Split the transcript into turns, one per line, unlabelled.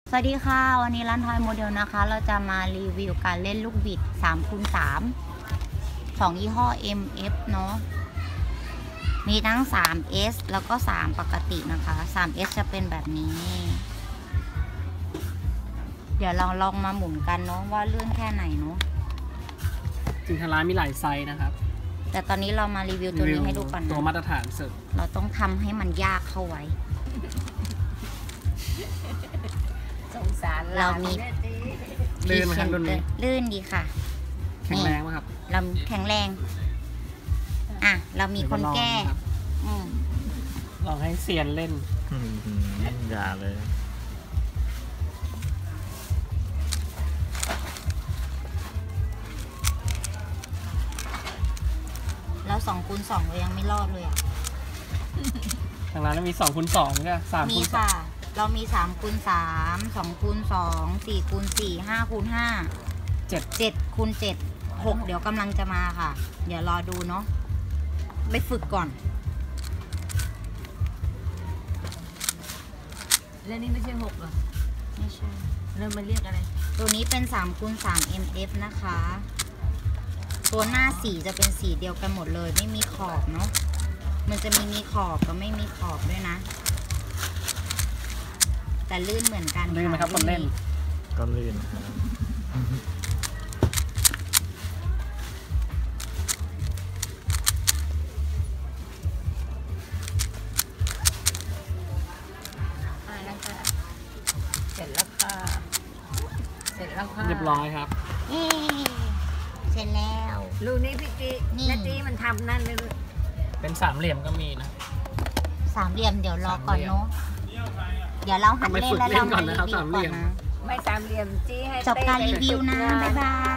สวัสดีค่ะวันนี้ร้านทอยโมเดลนะคะเราจะมารีวิวการเล่นลูกบิด 3x3 ของยี่ห้อ MF เนาะมีทั้ง 3S แล้วก็ 3 ปกตินะคะ 3S จะเป็นแบบนี้ เดี๋ยวเราลองมาหมุนกันเนาะว่าลื่นแค่ไหนเนาะ
จริงทางร้านมีหลายไซส์นะครับ
แต่ตอนนี้เรามารีวิวตัวนี้ให้ดูก่อนนะ
ตัวมาตรฐานสุด
เราต้องทำให้มันยากเข้าไว้
สงสาร
เรามี
ลื่นไหมครับตัวนี้
ลื่นดีค่ะ
แข็งแรงไหมครับ
เราแข็งแรงเรามีคนแก้
ลองให้เซียนเล่น
อย่าเลย
แล้ว2x2เรายังไม่รอดเลยอ่ะ
ทางร้านมี2x2ใช่ไหม3x3
มีค่ะเรามี3x3 2x2 4x4 5x5 7x7 6เดี๋ยวกำลังจะมาค่ะเดี๋ยวรอดูเนาะไปฝึกก่อน
แล้วนี่ไม่ใช่6หรอ
ไม่ใช่
แล้วมันเรียกอะไร
ตัวนี้เป็น3x3 MF นะคะตัวหน้าสีจะเป็นสีเดียวกันหมดเลยไม่มีขอบเนาะมันจะมีขอบกับไม่มีขอบด้วยนะแต่ลื่นเหมือนกัน
ลื่นไหมครับคนเล่น
ก็ลื่นครับ
เสร็จแล้วค่ะ
เรียบร้อยครับ
เสร็จแล้ว
ลูกนี้พี่จีนาทีมันทำนั่นเลย
เป็นสามเหลี่ยมก็มีนะ
สามเหลี่ยมเดี๋ยวรอก่อนเนาะเดี๋ยวเราหัดเล่นแล้วเรามารีวิวก่อนนะ
ไม่สามเหลี่ยมจี้ให้
จบการรีวิวนะบ๊ายบาย